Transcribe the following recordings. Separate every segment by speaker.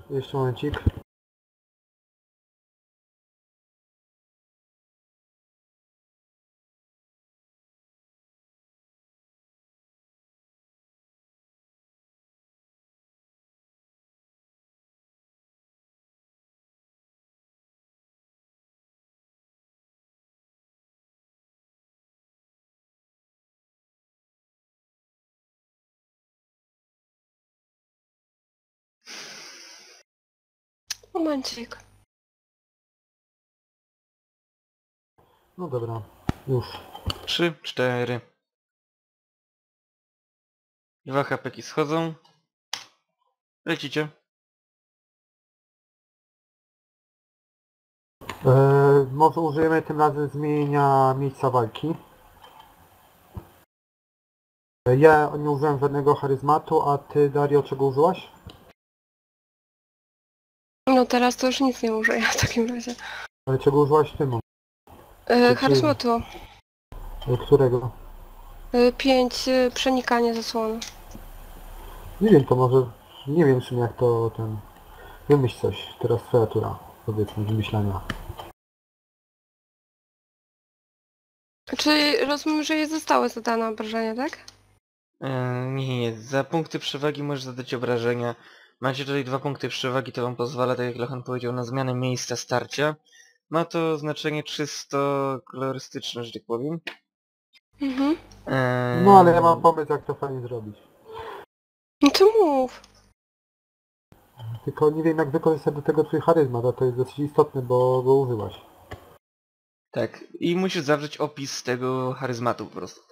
Speaker 1: Jeszcze momencik.
Speaker 2: Momencik.
Speaker 1: No dobra, już.
Speaker 3: 3, 4. 2 hapeki schodzą. Lecicie.
Speaker 1: Może użyjemy tym razem zmienienia miejsca walki. Ja nie użyłem żadnego charyzmatu, a ty, Dario, czego użyłaś?
Speaker 2: No teraz to już nic nie użyję w takim razie.
Speaker 1: Ale czego użyłaś ty?
Speaker 2: Charyzmatu.
Speaker 1: Którego?
Speaker 2: 5 przenikanie zasłony.
Speaker 1: Nie wiem, to może... Nie wiem w sumie jak to ten... Wymyśl coś. Teraz twoja tura, powiedzmy, wymyślania.
Speaker 2: Czyli rozumiem, że jej zostały zadane obrażenia, tak?
Speaker 3: Nie. Za punkty przewagi możesz zadać obrażenia. Macie tutaj 2 punkty przewagi, to wam pozwala, tak jak Lochan powiedział, na zmianę miejsca starcia. Ma to znaczenie czysto kolorystyczne, że tak powiem.
Speaker 2: Mhm.
Speaker 1: No ale ja mam pomysł, jak to fajnie zrobić.
Speaker 2: No to mów.
Speaker 1: Tylko nie wiem, jak wykorzystać do tego twój charyzmat, a to jest dosyć istotne, bo go użyłaś.
Speaker 3: Tak. I musisz zawrzeć opis tego charyzmatu po prostu.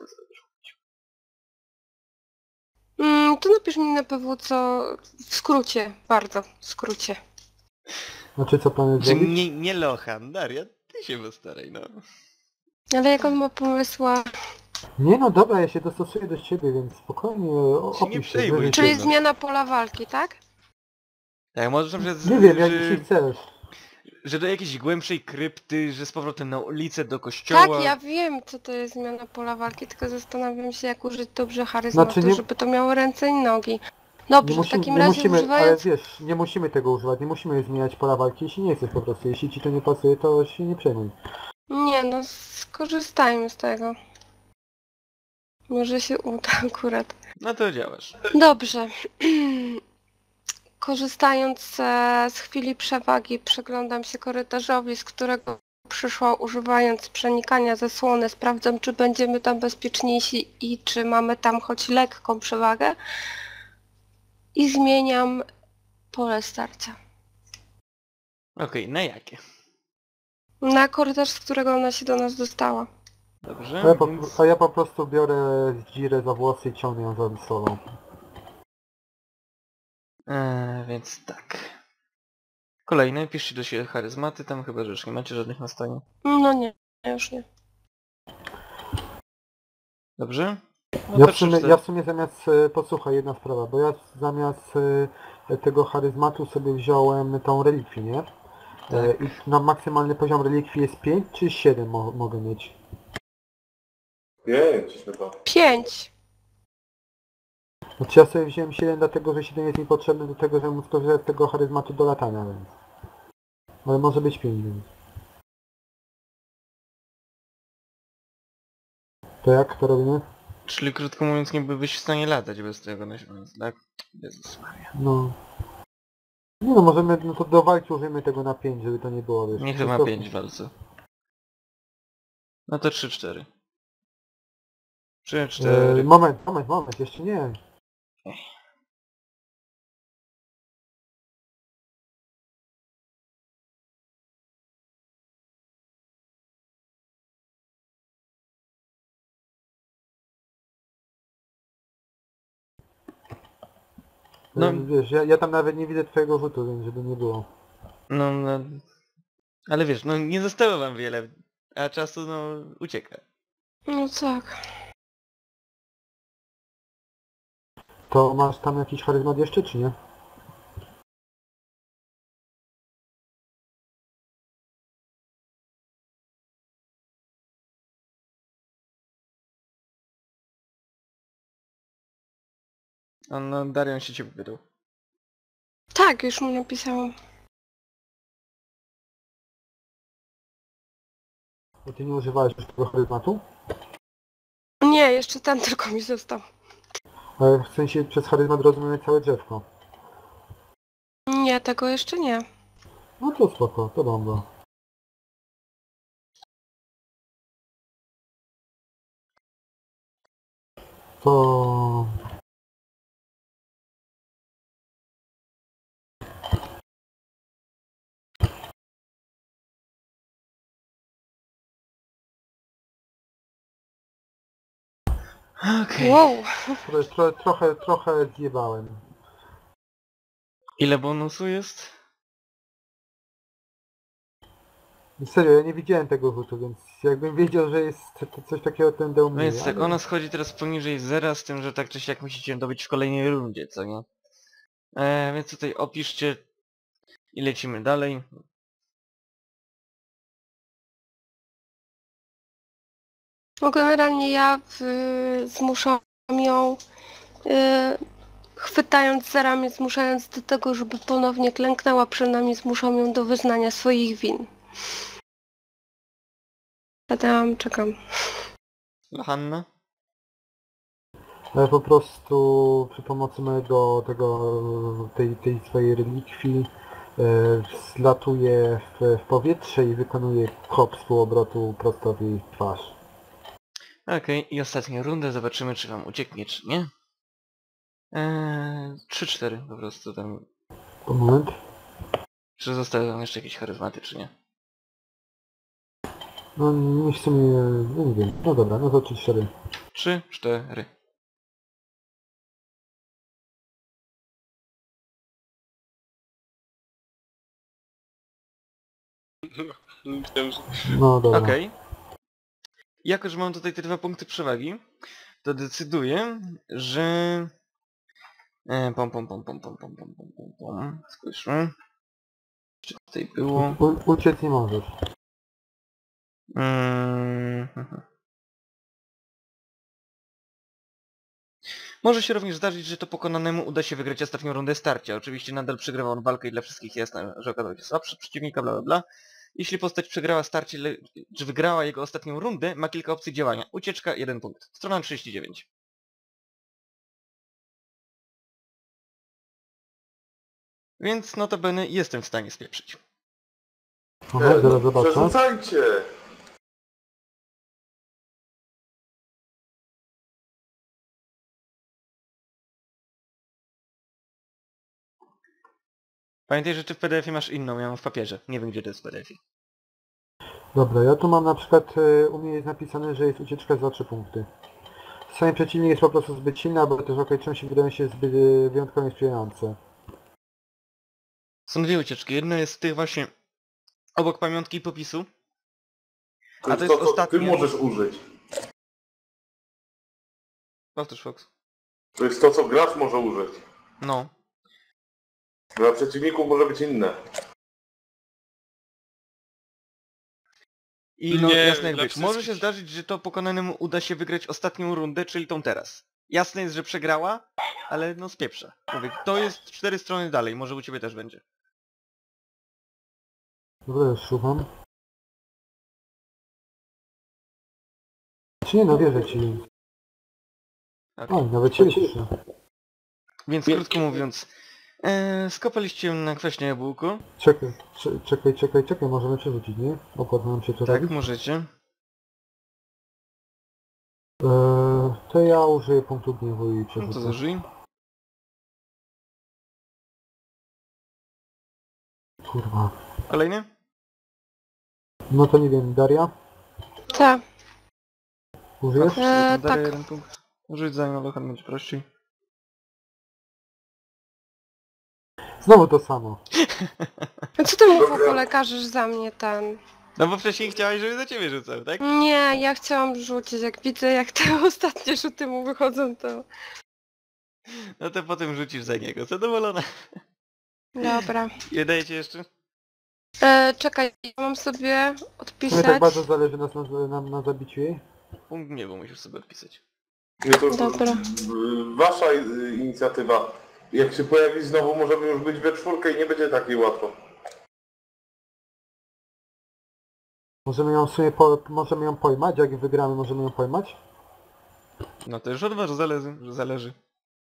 Speaker 2: To napisz mi na pewno co... W skrócie, bardzo w skrócie.
Speaker 1: Znaczy, co planujesz
Speaker 3: Że
Speaker 1: zrobić?
Speaker 3: nie Lochan, Daria, ty się postaraj, no.
Speaker 2: Ale jak on ma pomysła...
Speaker 1: Nie no dobra, ja się dostosuję do ciebie, więc spokojnie
Speaker 3: Się nie
Speaker 1: opisz się.
Speaker 3: przejmuj
Speaker 1: wyżej
Speaker 3: tym,
Speaker 2: Czyli
Speaker 3: no.
Speaker 2: zmiana pola walki, tak?
Speaker 3: Tak, możesz na przykład,
Speaker 1: Nie wiem, jak dzisiaj chcesz.
Speaker 3: że do jakiejś głębszej krypty, że z powrotem na ulicę, do kościoła.
Speaker 2: Tak, ja wiem co to jest zmiana pola walki, tylko zastanawiam się jak użyć dobrze charyzmatu,
Speaker 1: Znaczy nie-
Speaker 2: żeby to miało ręce i nogi.
Speaker 1: Nie
Speaker 2: Dobrze, w
Speaker 1: musimy,
Speaker 2: takim
Speaker 1: nie
Speaker 2: razie
Speaker 1: musimy, ale
Speaker 2: używając...
Speaker 1: wiesz, nie musimy tego używać, nie musimy zmieniać pola walki, jeśli nie chcesz po prostu. Jeśli ci to nie pasuje, to się nie przejmuj.
Speaker 2: Nie no, skorzystajmy z tego. Może się uda akurat.
Speaker 3: No to działasz.
Speaker 2: Dobrze. Korzystając z chwili przewagi, przyglądam się korytarzowi, z którego przyszła używając przenikania zasłony. Sprawdzam, czy będziemy tam bezpieczniejsi i czy mamy tam choć lekką przewagę. I zmieniam pole starcia.
Speaker 3: Okej, na jakie?
Speaker 2: Na korytarz, z którego ona się do nas dostała.
Speaker 3: Dobrze,
Speaker 1: A ja po prostu biorę Dzirę za włosy i ciągnę ją za sobą.
Speaker 3: Więc tak. Kolejny, piszcie do siebie charyzmaty, tam chyba, że już nie macie żadnych na stanie.
Speaker 2: No nie, już nie.
Speaker 3: Dobrze? No
Speaker 1: Ja
Speaker 3: to
Speaker 1: w sumie zamiast, posłuchaj, jedna sprawa, bo ja zamiast tego charyzmatu sobie wziąłem tą relikwię, nie?
Speaker 3: Tak.
Speaker 1: I na maksymalny poziom relikwii jest 5 czy 7 mogę mieć?
Speaker 4: 5 chyba.
Speaker 2: 5.
Speaker 1: Znaczy ja sobie wziąłem 7 dlatego, że 7 jest mi potrzebny do tego, żeby móc skorzystać z tego charyzmatu do latania, więc... Ale może być 5, więc... To jak to robimy?
Speaker 3: Czyli krótko mówiąc, nie byłbyś w stanie latać bez tego nasiona, tak? Jezus Maria.
Speaker 1: No... Nie no, możemy, no to do walki użyjmy tego na 5, żeby to nie było, wiesz...
Speaker 3: Niech to ma 5 w walce. No to 3-4. 3-4.
Speaker 1: Moment, jeszcze nie.
Speaker 3: No.
Speaker 1: Wiesz, ja tam nawet nie widzę twojego rzutu, więc żeby nie było.
Speaker 3: No, ale wiesz, no nie zostało wam wiele, a czasu no ucieka.
Speaker 2: No tak.
Speaker 1: To masz tam jakiś charyzmat jeszcze, czy nie?
Speaker 3: No Darion się ciebie pytał.
Speaker 2: Tak, już mu napisałam.
Speaker 1: Bo ty nie używałeś już tego charyzmatu?
Speaker 2: Nie, jeszcze ten tylko mi został.
Speaker 1: Ale w sensie przez charyzmat rozumiemy całe drzewko.
Speaker 2: Nie, tego jeszcze nie.
Speaker 1: No to spoko, to bomba. To...
Speaker 3: Okej.
Speaker 2: Wow.
Speaker 1: Trochę zjebałem.
Speaker 3: Ile bonusu jest?
Speaker 1: Serio, ja nie widziałem tego rzutu, więc jakbym wiedział, że jest coś takiego, to będę
Speaker 3: No
Speaker 1: umie.
Speaker 3: więc tak, ona schodzi teraz poniżej zera, z tym, że tak czy siak musicie ją dobyć w kolejnej rundzie, co nie? Więc tutaj opiszcie i lecimy dalej.
Speaker 2: No generalnie ja zmuszam ją, chwytając za ramię, zmuszając do tego, żeby ponownie klęknęła przed nami, zmuszam ją do wyznania swoich win. Czekam.
Speaker 3: Johanna?
Speaker 1: Ale po prostu przy pomocy mojego tej swojej relikwii zlatuję w powietrze i wykonuję hop z półobrotu prosto w jej twarz.
Speaker 3: Okej, i ostatnia runda, zobaczymy czy wam ucieknie, czy nie. 3-4 po prostu tam.
Speaker 1: Moment.
Speaker 3: Czy zostały wam jeszcze jakieś charyzmaty, czy nie?
Speaker 1: No nie w sumie, no nie wiem. No dobra, no to 3-4.
Speaker 3: 3-4.
Speaker 1: No dobra.
Speaker 3: Okej. Jako, że mam tutaj te 2 punkty przewagi, to decyduję, że... Spójrzmy. Czy tutaj było...
Speaker 1: Uciec nie możesz.
Speaker 3: Może się również zdarzyć, że to pokonanemu uda się wygrać ostatnią rundę starcia. Oczywiście nadal przegrywa on walkę i dla wszystkich jasne, że okazał się słabszy przeciwnika, bla bla bla. Jeśli postać przegrała starcie, czy wygrała jego ostatnią rundę, ma kilka opcji działania. Ucieczka, 1 punkt. Strona 39. Więc notabene jestem w stanie spieprzyć.
Speaker 1: Aha, zaraz zobaczę.
Speaker 4: Przerzucajcie!
Speaker 3: Pamiętaj, że ty w PDF-ie masz inną, ja mam w papierze. Nie wiem, gdzie to jest w PDF-ie.
Speaker 1: Dobra, ja tu mam na przykład, u mnie jest napisane, że jest ucieczka za 3 punkty. Sami przeciwnik jest po prostu zbyt silny, albo też okoliczności wydają się zbyt wyjątkowo niesprzyjające.
Speaker 3: Są 2 ucieczki. Jedna jest w tych właśnie obok pamiątki i popisu.
Speaker 4: To
Speaker 3: A to
Speaker 4: jest
Speaker 3: jest
Speaker 4: to, co
Speaker 3: ostatnie.
Speaker 4: ty możesz użyć.
Speaker 3: Powtórz, Fox.
Speaker 4: To jest to, co gracz może użyć.
Speaker 3: No.
Speaker 4: Dla przeciwników może być inne.
Speaker 3: I no
Speaker 5: Nie,
Speaker 3: jasne jak
Speaker 5: dla
Speaker 3: być. Może się
Speaker 5: wszystkich.
Speaker 3: zdarzyć, że to pokonanemu uda się wygrać ostatnią rundę, czyli tą teraz. Jasne jest, że przegrała, ale no spieprza. Mówię, to jest 4 strony dalej, może u ciebie też będzie.
Speaker 1: Dobra, już szukam. Czy nie, no wierzę ci.
Speaker 3: Okay.
Speaker 1: Oj, nawet się cieszę.
Speaker 3: Więc krótko mówiąc, skopaliście na kwaśne jabłko.
Speaker 1: Czekaj, możemy przerzucić, nie? Opłat nam się to
Speaker 3: Tak,
Speaker 1: robić.
Speaker 3: możecie.
Speaker 1: To ja użyję punktu gniewu i
Speaker 3: No to
Speaker 1: przerzucę.
Speaker 3: zużyj.
Speaker 1: Kurwa.
Speaker 3: Kolejny?
Speaker 1: No to nie wiem, Daria?
Speaker 2: Tak.
Speaker 1: Użyjesz?
Speaker 3: Daję
Speaker 2: tak.
Speaker 3: 1 punkt. Rzuć za nią, Lohan, będzie prościej.
Speaker 1: Znowu to samo.
Speaker 2: A co ty mu w ogóle każesz za mnie ten?
Speaker 3: No bo wcześniej chciałeś, żeby za ciebie rzucał, tak?
Speaker 2: Nie, ja chciałam rzucić. Jak widzę, jak te ostatnie rzuty mu wychodzą, to...
Speaker 3: No to potem rzucisz za niego. Zadowolona.
Speaker 2: Dobra.
Speaker 3: Nie dajecie jeszcze?
Speaker 2: Czekaj, ja mam sobie
Speaker 1: Mnie
Speaker 2: odpisać.
Speaker 1: tak bardzo zależy na zabiciu jej.
Speaker 3: Punkt gniewu musisz sobie odpisać.
Speaker 4: Nie, to już
Speaker 2: Dobra.
Speaker 4: wasza inicjatywa. Jak się pojawi znowu, możemy już być we czwórkę i nie będzie takiej łatwo.
Speaker 1: Możemy ją sobie możemy ją pojmać, jak wygramy możemy ją pojmać?
Speaker 3: No to już od was zależy.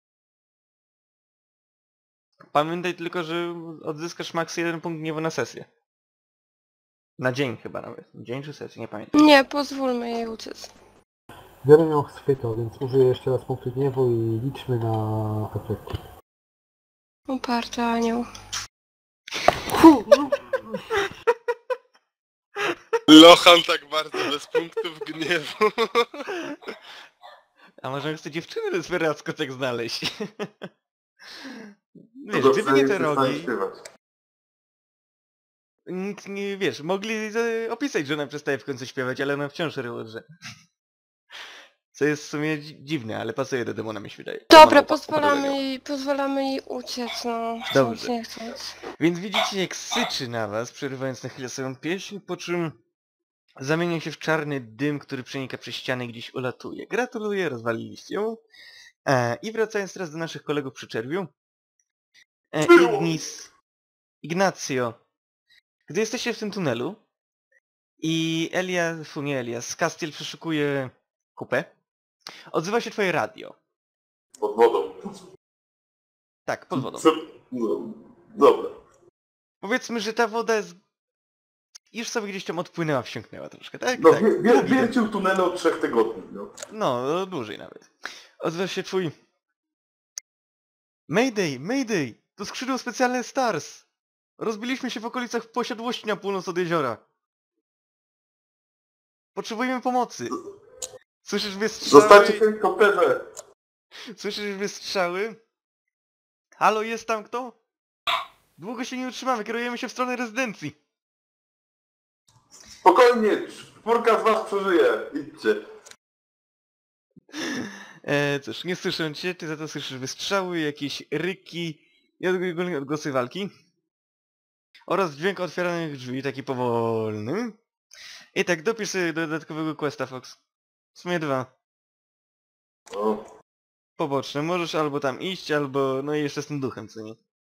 Speaker 3: Pamiętaj tylko, że odzyskasz maks 1 punkt gniewu na sesję. Na dzień chyba nawet. Dzień czy sesję, nie pamiętam.
Speaker 2: Nie, pozwólmy jej uciec.
Speaker 1: Biorę ją chwyto, więc użyję jeszcze raz punktu gniewu i liczmy na efekt.
Speaker 2: Uparty anioł.
Speaker 5: Lochan tak bardzo bez punktów gniewu.
Speaker 3: A może chce dziewczyny desperacko tak znaleźć? Wiesz,
Speaker 4: To
Speaker 3: gdyby nie te
Speaker 4: przestań
Speaker 3: rogi,
Speaker 4: śpiewać.
Speaker 3: nic nie, wiesz, mogli opisać, że ona przestaje w końcu śpiewać, ale ona wciąż ryłodrze. Co jest w sumie dziwne, ale pasuje do demona, mi się wydaje.
Speaker 2: Dobra,
Speaker 3: Demona
Speaker 2: pozwalamy jej uciec, no.
Speaker 3: Dobrze.
Speaker 2: Chcąc, nie chcąc.
Speaker 3: Więc widzicie, jak syczy na was, przerywając na chwilę swoją pieśń, po czym zamienia się w czarny dym, który przenika przez ściany i gdzieś ulatuje. Gratuluję, rozwaliliście ją. I wracając teraz do naszych kolegów przy czerwiu. Ignacio, gdy jesteście w tym tunelu i Castiel przeszukuje kupę, odzywa się twoje radio.
Speaker 4: Pod wodą.
Speaker 3: Tak, pod wodą.
Speaker 4: No, dobra.
Speaker 3: Powiedzmy, że ta woda jest... już sobie gdzieś tam odpłynęła, wsiąknęła troszkę, tak?
Speaker 4: No,
Speaker 3: tak.
Speaker 4: wiercił tunele od 3 tygodni, no.
Speaker 3: No, dłużej nawet. Odzywa się twój... Mayday, Mayday! To skrzydło specjalne Stars! Rozbiliśmy się w okolicach posiadłości na północ od jeziora. Potrzebujemy pomocy. Słyszysz wystrzały?
Speaker 4: Zostańcie w helikopterze!
Speaker 3: Słyszysz wystrzały? Halo, jest tam kto? Długo się nie utrzymamy, kierujemy się w stronę rezydencji.
Speaker 4: Spokojnie, 4 z was przeżyje. Idźcie.
Speaker 3: Cóż, nie słyszę cię, ty za to słyszysz wystrzały, jakieś ryki i ogólnie odgłosy walki. Oraz dźwięk otwieranych drzwi, taki powolny. I tak, dopisz sobie dodatkowego questa, Fox. W sumie 2.
Speaker 4: No.
Speaker 3: Poboczne. Możesz albo tam iść, albo... no i jeszcze z tym duchem, co nie?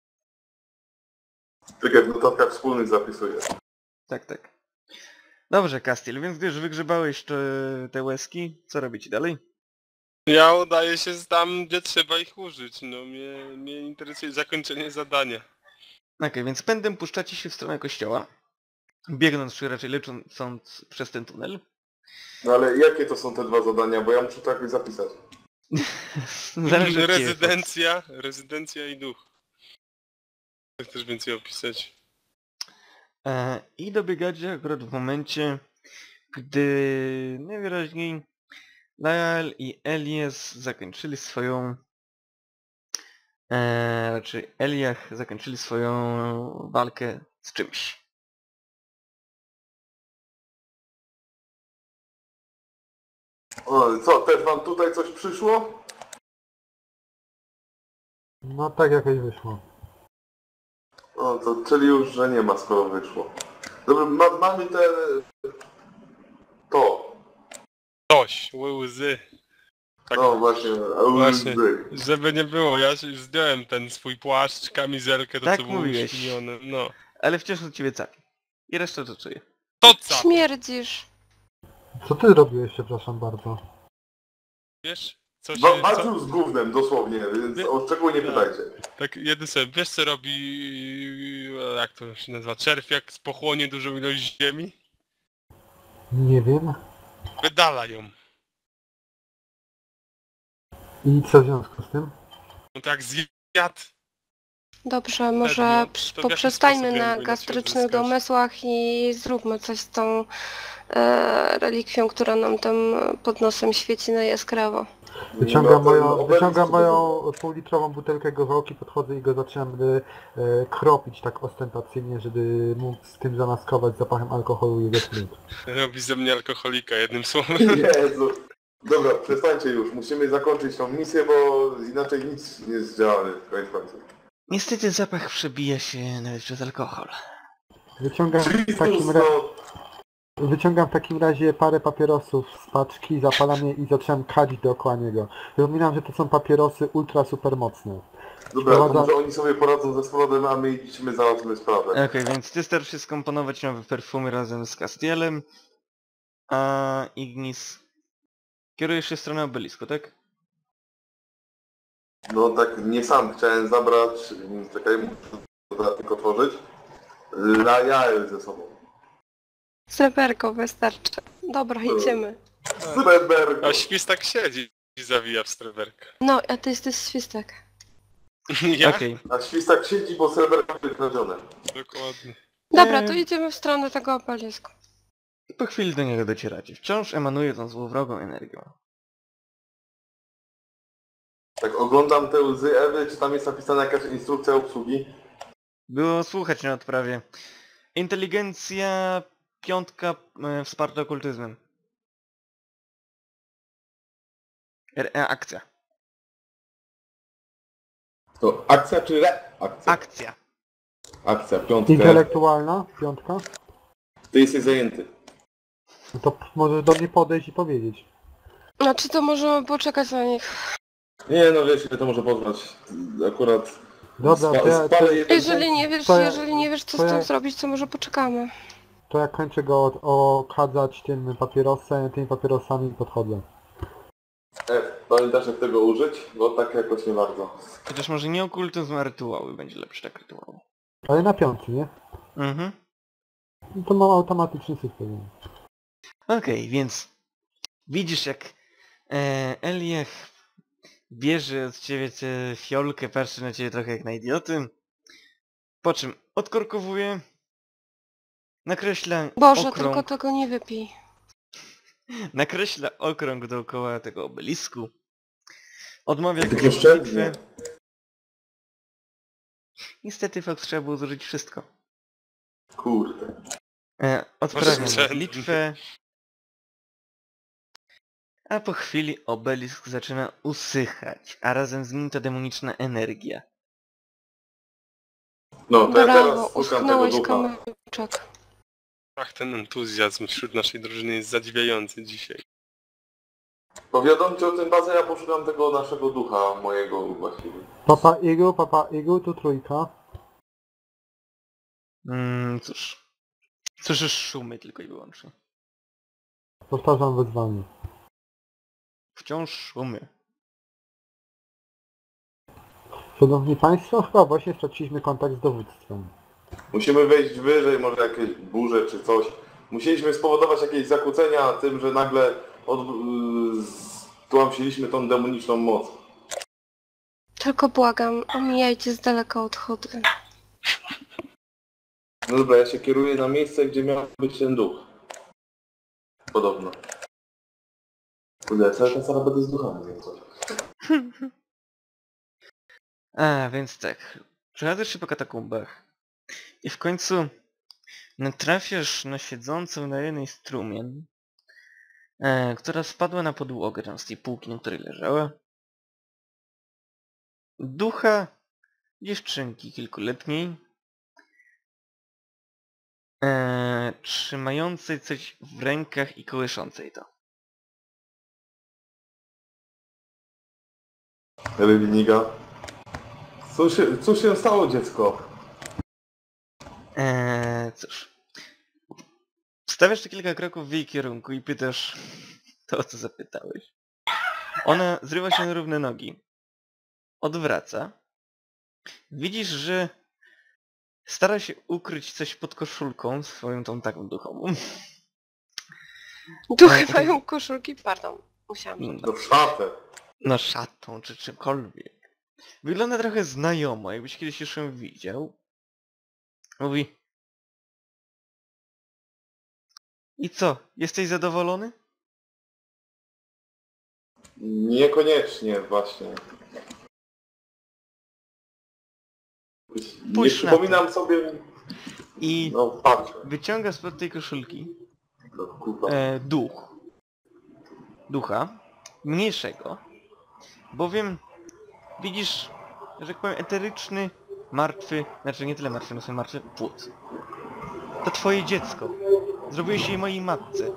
Speaker 4: Tak jak w notatkach wspólnych zapisuję.
Speaker 3: Tak, tak. Dobrze, Castiel, więc gdy już wygrzebałeś te łezki, co robicie dalej?
Speaker 5: Ja udaję się tam, gdzie trzeba ich użyć. No mnie interesuje zakończenie zadania.
Speaker 3: Okej, więc pędem puszczacie się w stronę kościoła. Biegnąc, czy raczej lecąc przez ten tunel.
Speaker 4: No ale jakie to są te 2 zadania, bo ja muszę to jakoś zapisać.
Speaker 3: Zależy od ciebie, Fox.
Speaker 5: Rezydencja i duch. Chcesz więcej opisać?
Speaker 3: I dobiegacie akurat w momencie, gdy najwyraźniej Lael i Elias zakończyli swoją... raczej Eliach zakończyli swoją walkę z czymś.
Speaker 4: O, co, też wam tutaj coś przyszło?
Speaker 1: No tak jakoś wyszło.
Speaker 4: O, to czyli już, że nie ma, skoro wyszło. Dobra, mamy te... to.
Speaker 5: Coś, łzy. Tak,
Speaker 4: No właśnie,
Speaker 5: właśnie. Żeby nie było, ja już zdjąłem ten swój płaszcz, kamizelkę, to
Speaker 3: Tak
Speaker 5: co było
Speaker 3: mówiłeś.
Speaker 5: uśpinione. No.
Speaker 3: Ale wciąż od ciebie capi. I resztę to czuję.
Speaker 5: To co?
Speaker 2: Śmierdzisz.
Speaker 1: Co ty robiłeś, przepraszam bardzo?
Speaker 5: Wiesz? Co się...
Speaker 4: Walczył z gównem, dosłownie, więc o szczegóły nie pytajcie.
Speaker 5: Tak, jeden sobie, wiesz co robi... jak to się nazywa? Czerw jak pochłonie dużą ilość ziemi?
Speaker 1: Nie wiem.
Speaker 5: Wydala ją.
Speaker 1: I co w związku z tym?
Speaker 5: No tak zjadł.
Speaker 2: Dobrze, może
Speaker 5: to w jaki
Speaker 2: poprzestańmy
Speaker 5: sposób
Speaker 2: na
Speaker 5: jakby
Speaker 2: gastrycznych
Speaker 5: uzyskać?
Speaker 2: domysłach i zróbmy coś z tą relikwią, która nam tam pod nosem świeci na jaskrawo.
Speaker 1: Wyciągam moją półlitrową butelkę gorzałki, podchodzę i go zaczynam kropić tak ostentacyjnie, żeby mógł z tym zamaskować zapachem alkoholu jego smród.
Speaker 5: Robi ze mnie alkoholika, jednym słowem.
Speaker 4: Jezu. Dobra, przestańcie już, musimy zakończyć tą misję, bo inaczej nic nie jest działane, koniec końców.
Speaker 3: Niestety zapach przebija się nawet przez alkohol.
Speaker 1: Wyciągam w takim razie parę papierosów z paczki, zapalam je i zaczynam kalić dookoła niego. Przypominam, że to są papierosy ultra super mocne.
Speaker 4: Dobra, to
Speaker 1: Wprowadza-
Speaker 4: może oni sobie poradzą ze Smrodem, a my idźmy, załatwmy sprawę.
Speaker 3: Okej, więc ty starasz się skomponować nowe perfumy razem z Castielem, a Ignis kierujesz się w stronę obelisku, tak?
Speaker 4: No tak nie sam chciałem zabrać, czekaj, muszę tylko otworzyć. Na jael ze sobą.
Speaker 2: Sreberko wystarczy. Dobra, idziemy.
Speaker 4: Sreberko!
Speaker 5: A świstak siedzi i zawija w streberkę.
Speaker 2: No, a ty jesteś świstek.
Speaker 5: Ja?
Speaker 3: Okej.
Speaker 4: A świstak siedzi, bo sreberko wykradzione.
Speaker 5: Dokładnie.
Speaker 2: Dobra, to idziemy w stronę tego obelisku.
Speaker 3: Po chwili do niego docieracie. Wciąż emanuje tą złowrogą energią.
Speaker 4: Tak oglądam te łzy Ewy, czy tam jest napisana jakaś instrukcja obsługi?
Speaker 3: Było słuchać na odprawie. Inteligencja 5 wsparta okultyzmem. Akcja.
Speaker 4: To akcja czy reakcja?
Speaker 3: Akcja.
Speaker 4: Akcja, piątka.
Speaker 1: Intelektualna, 5.
Speaker 4: Ty jesteś zajęty.
Speaker 1: No to możesz do mnie podejść i powiedzieć.
Speaker 2: Znaczy to możemy poczekać na nich.
Speaker 4: Nie no wiesz, ile to może potrwać. Akurat...
Speaker 1: Dobra, to ja,
Speaker 4: spalę jeden
Speaker 2: Jeżeli nie wiesz,
Speaker 1: to ja-
Speaker 2: jeżeli nie wiesz co
Speaker 1: to
Speaker 2: z tym
Speaker 1: ja-
Speaker 2: zrobić, to może poczekamy.
Speaker 1: to ja kończę go okadzać tym papierosem, tymi papierosami i podchodzę.
Speaker 4: Pamiętasz jak tego użyć? Bo tak jakoś nie bardzo.
Speaker 3: Chociaż może nie okultyzm, a rytuały. Będzie lepszy tak rytuał.
Speaker 1: Ale na 5, nie?
Speaker 3: Mhm.
Speaker 1: No to mam automatyczny system.
Speaker 3: Okej, więc widzisz jak Eliach bierze od ciebie tę fiolkę, patrzy na ciebie trochę jak na idioty, po czym odkorkowuje, nakreśla
Speaker 2: Boże,
Speaker 3: okrąg,
Speaker 2: tylko tego nie wypij.
Speaker 3: nakreśla okrąg dookoła tego obelisku, odmawia
Speaker 4: Takie
Speaker 3: komuś
Speaker 4: oszczędnie.
Speaker 3: bitwy. Niestety fakt trzeba było zużyć wszystko.
Speaker 4: Kurde.
Speaker 3: Odprawia
Speaker 5: Oszczędnie.
Speaker 3: modlitwę, a po chwili obelisk zaczyna usychać, a razem z nim ta demoniczna energia.
Speaker 4: No to ja
Speaker 2: Brawo,
Speaker 4: teraz szukam tego
Speaker 2: uschnąłeś
Speaker 4: ducha.
Speaker 2: kamyczek.
Speaker 5: Ach, ten entuzjazm wśród naszej drużyny jest zadziwiający dzisiaj.
Speaker 4: Powiadomcie o tym bazę, ja poszukam tego naszego ducha, mojego właściwie.
Speaker 1: Papa Igu, tu 3.
Speaker 3: Cóż. Słyszysz szumy tylko i wyłącznie.
Speaker 1: Powtarzam wezwanie.
Speaker 3: Wciąż szumy.
Speaker 1: Szanowni Państwo, chyba właśnie straciliśmy kontakt z dowództwem.
Speaker 4: Musimy wejść wyżej, może jakieś burze czy coś. Musieliśmy spowodować jakieś zakłócenia tym, że nagle stłamsiliśmy tą demoniczną moc.
Speaker 2: Tylko błagam, omijajcie z daleka odchody.
Speaker 4: No dobra, ja się kieruję na miejsce, gdzie miał być ten duch. Podobno. Kurde, cały czas ale będę z duchami, więc coś.
Speaker 3: A, więc tak. Przechadzasz się po katakumbach. I w końcu natrafiasz na siedzącą na jednej strumień, która spadła na podłogę tam z tej półki, na której leżała. Ducha dziewczynki kilkuletniej, trzymającej coś w rękach i kołyszącej to.
Speaker 4: Reliniga. Cóż się stało, dziecko?
Speaker 3: Cóż. Stawiasz tu kilka kroków w jej kierunku i pytasz to, o co zapytałeś. Ona zrywa się na równe nogi. Odwraca. Widzisz, że stara się ukryć coś pod koszulką swoją tą taką duchową.
Speaker 2: Duchy mają koszulki, pardon. Musiałam.
Speaker 4: No w szatę.
Speaker 3: No szatą czy czymkolwiek. Wygląda trochę znajomo, jakbyś kiedyś już ją widział. Mówi: i co, jesteś zadowolony?
Speaker 4: Niekoniecznie właśnie. Nie
Speaker 3: Pójdź na
Speaker 4: przypominam sobie...
Speaker 3: I
Speaker 4: No patrzę.
Speaker 3: wyciąga spod tej koszulki
Speaker 4: No, kurwa.
Speaker 3: ducha, mniejszego, bowiem widzisz, że tak powiem, eteryczny, martwy, znaczy nie tyle martwy, no sobie martwy, płód. To twoje dziecko. Zrobiłeś jej mojej matce.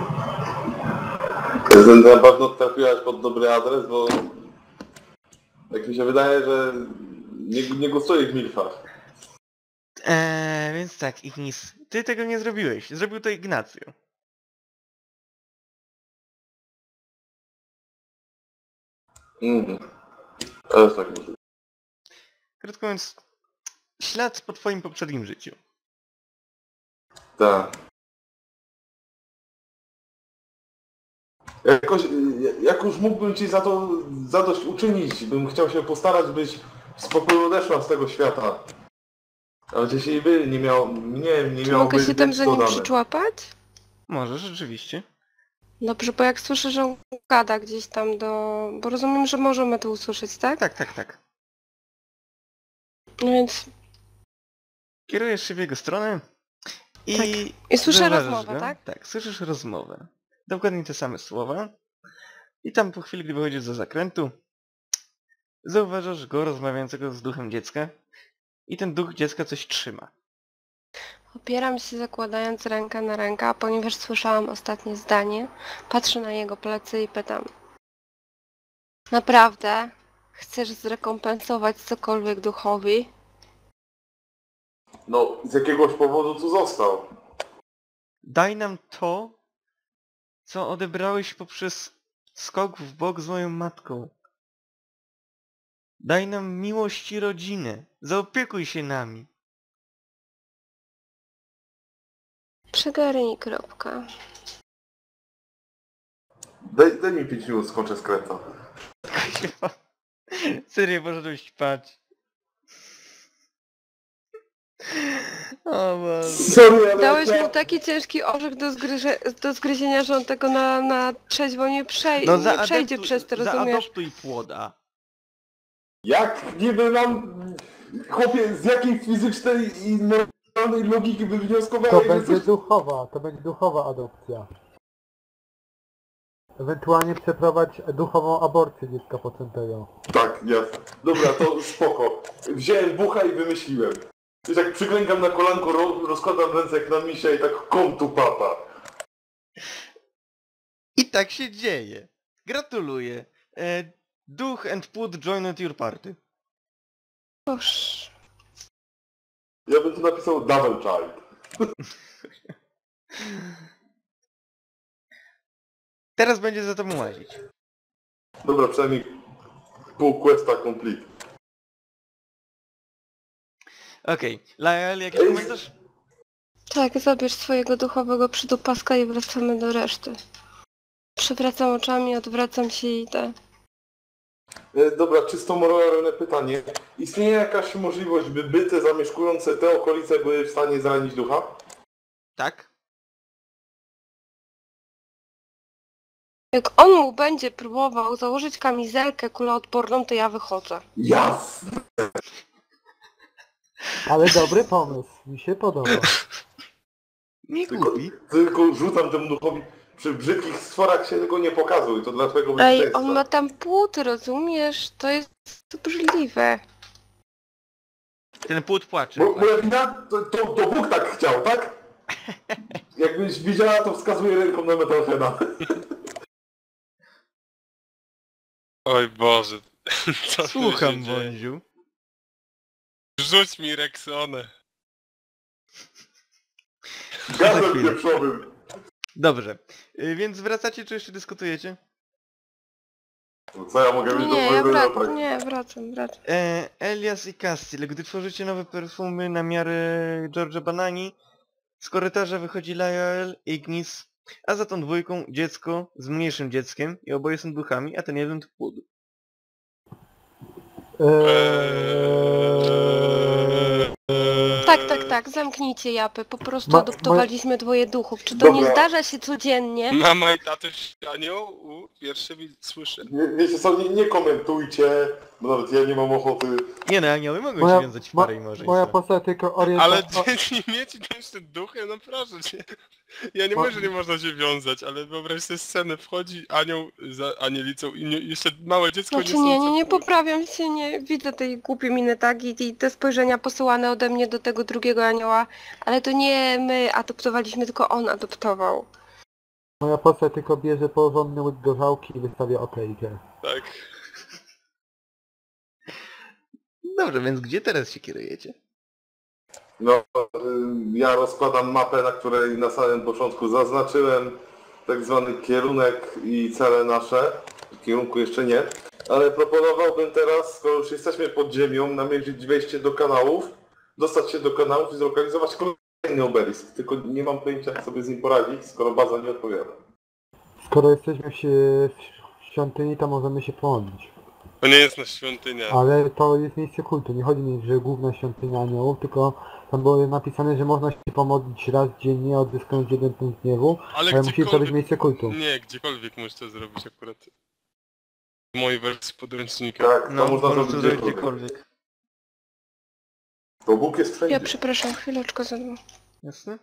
Speaker 4: Na pewno trafiłaś pod dobry adres, bo Tak mi się wydaje, że nie gustuje w milfach.
Speaker 3: Więc tak, Ignis, ty tego nie zrobiłeś. Zrobił to Ignacio.
Speaker 4: To jest tak możliwe.
Speaker 3: Krótko mówiąc, ślad po twoim poprzednim życiu.
Speaker 4: Tak. Jak już mógłbym ci za to zadośćuczynić, bym chciał się postarać, byś w spokoju odeszła z tego świata. Ale jeśli by nie miał, nie
Speaker 2: Czy
Speaker 4: miał
Speaker 2: mogę
Speaker 4: być
Speaker 2: się tam
Speaker 4: być
Speaker 2: za nim
Speaker 4: dodane.
Speaker 2: przyczłapać?
Speaker 3: Może, rzeczywiście.
Speaker 2: Dobrze, bo jak słyszę, że on gada gdzieś tam Bo rozumiem, że możemy to usłyszeć, tak?
Speaker 3: Tak.
Speaker 2: No więc...
Speaker 3: Kierujesz się w jego stronę i...
Speaker 2: Tak. I słyszę
Speaker 3: zauważasz
Speaker 2: rozmowę,
Speaker 3: go.
Speaker 2: tak?
Speaker 3: Tak, słyszysz rozmowę. Dokładnie te same słowa. I tam po chwili, gdy wychodzisz za zakrętu, zauważasz go rozmawiającego z duchem dziecka. I ten duch dziecka coś trzyma.
Speaker 2: Opieram się zakładając rękę na rękę, a ponieważ słyszałam ostatnie zdanie, patrzę na jego plecy i pytam. Naprawdę? Chcesz zrekompensować cokolwiek duchowi?
Speaker 4: No, z jakiegoś powodu tu został.
Speaker 3: Daj nam to, co odebrałeś poprzez skok w bok z moją matką. Daj nam miłość i rodzinę. Zaopiekuj się nami.
Speaker 2: Przegarnij kropka.
Speaker 4: Daj mi 5 minut, skończę skręta.
Speaker 3: Serio, poszedłeś spać. O Boże.
Speaker 4: Sorry, ale
Speaker 2: Dałeś
Speaker 4: ja...
Speaker 2: mu taki ciężki orzech do zgryzienia, że on tego na trzeźwo nie przejdzie przez to, rozumiesz?
Speaker 3: Zaadoptuj płoda.
Speaker 4: Jak niby nam... Chłopie, z jakiej fizycznej i normalnej logiki by
Speaker 1: To
Speaker 4: wnioskowałeś, że
Speaker 1: będzie
Speaker 4: coś...
Speaker 1: duchowa adopcja. Ewentualnie przeprowadź duchową aborcję dziecka poczętego.
Speaker 4: Tak, jasne. Dobra, to spoko. Wziąłem bucha i wymyśliłem. I tak przyklękam na kolanko, rozkładam ręce jak na misia i tak kom tu papa.
Speaker 3: I tak się dzieje. Gratuluję. Duch and płód joined your party.
Speaker 2: Boż.
Speaker 4: Ja bym tu napisał double child.
Speaker 3: Teraz będzie za tobą łazić.
Speaker 4: Dobra, przynajmniej pół questa complete.
Speaker 3: Okej. Lael, jakiś komentarz?
Speaker 2: Tak, zabierz swojego duchowego przydupaska i wracamy do reszty. Przewracam oczami, odwracam się i idę.
Speaker 4: Dobra, czysto moralne pytanie. Istnieje jakaś możliwość, by byty zamieszkujące te okolice były w stanie zranić ducha?
Speaker 3: Tak.
Speaker 2: Jak on mu będzie próbował założyć kamizelkę kuloodporną, to ja wychodzę.
Speaker 4: Jasne!
Speaker 1: Ale dobry pomysł, mi się podoba.
Speaker 3: Nie
Speaker 4: Tylko,
Speaker 3: głupi.
Speaker 4: tylko rzucam temu duchowi. Przy brzydkich stworach się tego nie pokazuj, to dla twojego
Speaker 2: Ej,
Speaker 4: bezpieczeństwa.
Speaker 2: on ma tam płód, rozumiesz? To jest obrzydliwe.
Speaker 3: Ten płód płacze.
Speaker 4: Bo moja wina? To Bóg tak chciał, tak? Jakbyś widziała, to wskazuje ręką na Metalheada.
Speaker 5: Oj Boże. Co tu
Speaker 3: Słucham,
Speaker 5: się dzieje?
Speaker 3: Wąziu.
Speaker 5: Rzuć mi Rexonę.
Speaker 3: Za
Speaker 4: Gazem
Speaker 3: chwilę.
Speaker 4: pieprzowym.
Speaker 3: Dobrze. Więc wracacie, czy jeszcze dyskutujecie?
Speaker 4: No co ja mogę mieć do
Speaker 2: Nie, ja
Speaker 4: mojego
Speaker 2: wracam,
Speaker 4: zapach?
Speaker 2: nie, wracam.
Speaker 3: Elias i Castiel, gdy tworzycie nowe perfumy na miarę George'a Banani, z korytarza wychodzi Lael, Ignis, a za tą dwójką dziecko z mniejszym dzieckiem i oboje są duchami, a ten jeden to płód.
Speaker 2: Tak, zamknijcie japę. Po prostu
Speaker 1: Ma-
Speaker 2: adoptowaliśmy dwoje duchów. Czy to
Speaker 4: Dobra.
Speaker 2: nie zdarza się codziennie?
Speaker 5: Mama i tatuś anioł? Pierwszy słyszę.
Speaker 4: Wiecie co, nie komentujcie, bo nawet ja nie mam ochoty.
Speaker 3: Nie no, anioły mogą się wiązać w parę i może
Speaker 1: moja postać tylko
Speaker 5: Ale
Speaker 1: orientacja...
Speaker 5: dzieci mieć jeszcze duchy? No proszę cię. Ja nie
Speaker 1: Mo-
Speaker 5: mówię, że nie można się wiązać, ale wyobraź sobie scenę, wchodzi anioł za anielicą i jeszcze małe dziecko
Speaker 2: Znaczy nie
Speaker 5: niosące płód.
Speaker 2: poprawiam się, nie widzę tej głupiej miny, tak? I te spojrzenia posyłane ode mnie do tego drugiego anioła, ale to nie my adoptowaliśmy, tylko on adoptował.
Speaker 1: Moja postać tylko bierze porządny łyk gorzałki i wystawia okejkę.
Speaker 5: Tak.
Speaker 6: Dobrze, więc gdzie teraz się kierujecie?
Speaker 4: No, ja rozkładam mapę, na której na samym początku zaznaczyłem tak zwany kierunek i cele nasze. Kierunku jeszcze nie, ale proponowałbym teraz, skoro już jesteśmy pod ziemią, namierzyć wejście do kanałów, dostać się do kanałów i zlokalizować kolejny obelisk. Tylko nie mam pojęcia, jak sobie z nim poradzić, skoro baza nie odpowiada.
Speaker 1: Skoro jesteśmy w świątyni, to możemy się pomodlić.
Speaker 5: To nie jest na świątynia.
Speaker 1: Ale to jest miejsce kultu. Nie chodzi mi, że główna świątynia aniołów, tylko tam było napisane, że można się pomodlić raz dziennie, odzyskając 1 punkt gniewu, ale musi to być miejsce kultu.
Speaker 5: Nie, gdziekolwiek możesz to zrobić akurat. W mojej wersji podręcznika.
Speaker 4: Tak, to
Speaker 3: No,
Speaker 4: można
Speaker 3: po
Speaker 4: zrobić
Speaker 3: prostu
Speaker 4: gdziekolwiek.
Speaker 3: gdziekolwiek.
Speaker 4: Bo Bóg jest wszędzie.
Speaker 2: Ja przepraszam, chwileczkę za mną.
Speaker 3: Jasne?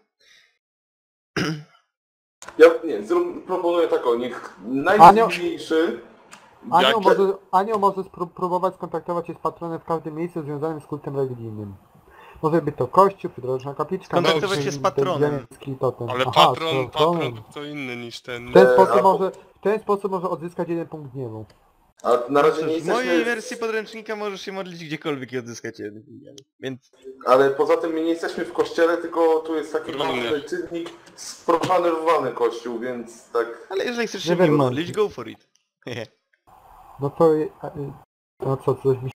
Speaker 4: Ja nie, proponuję taką, niech najdziwniejszy...
Speaker 1: Anioł może próbować skontaktować się z patronem w każdym miejscu związanym z kultem religijnym. Może być to kościół, przydrożna kapliczka...
Speaker 3: Skontaktować
Speaker 1: nawet
Speaker 3: się z patronem.
Speaker 1: ziemski totem.
Speaker 5: Ale
Speaker 1: Aha,
Speaker 5: patron to kto inny niż ten.
Speaker 1: W ten sposób może odzyskać 1 punkt gniewu.
Speaker 4: A na razie
Speaker 3: Cóż,
Speaker 4: nie
Speaker 3: w mojej
Speaker 4: jesteśmy...
Speaker 3: wersji podręcznika możesz się modlić gdziekolwiek i odzyskać jeden. Więc
Speaker 4: Ale poza tym my nie jesteśmy w kościele, tylko tu jest taki
Speaker 5: Również.
Speaker 4: ważny czynnik sprofanowany kościół, więc tak...
Speaker 3: ale jeżeli chcesz
Speaker 1: Nie
Speaker 3: się w nim
Speaker 1: wiem,
Speaker 3: modlić, go for it.
Speaker 1: No to... No co, coś mi